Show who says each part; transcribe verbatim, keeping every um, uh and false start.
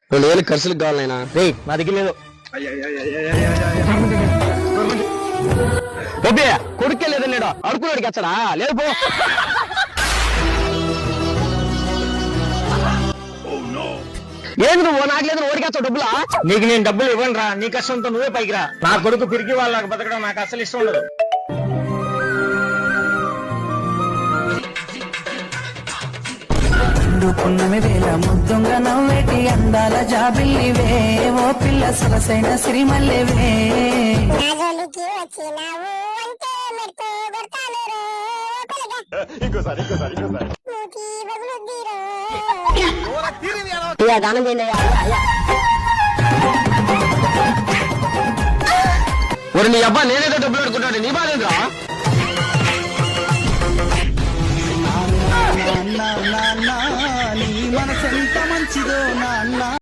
Speaker 1: రెండు వేలు ఖర్చులకు కావాలైనా
Speaker 2: రే నా దగ్గర లేదు. కొడుకే లేదని లేడు అడుకున్నాడికి వచ్చాడా లేదు పో. ఏంది నువ్వు నాకు లేదు ఓడికి వచ్చావు డబ్బులా? నీకు నేను డబ్బులు ఇవ్వను రా, నీ కష్టంతో నువ్వే పైకి రా. నా కొడుకు పిరికి వాళ్ళకి బతకడం నాకు అసలు ఇష్టం ఉండదు.
Speaker 3: పున్నమి వేళ ముద్దుంగ నవ్వేటి అందాల జాబిల్లివే ఓ పిల్ల సొగసైన సిరిమల్లెవే.
Speaker 4: దానం చేయండి.
Speaker 2: ఒరి నీ అబ్బా నేనేదో డబ్బులు అడుకుంటాడు, నీ బాధ ఏంద్రా?
Speaker 3: నీ మనసెంత మంచిదో నాన్న.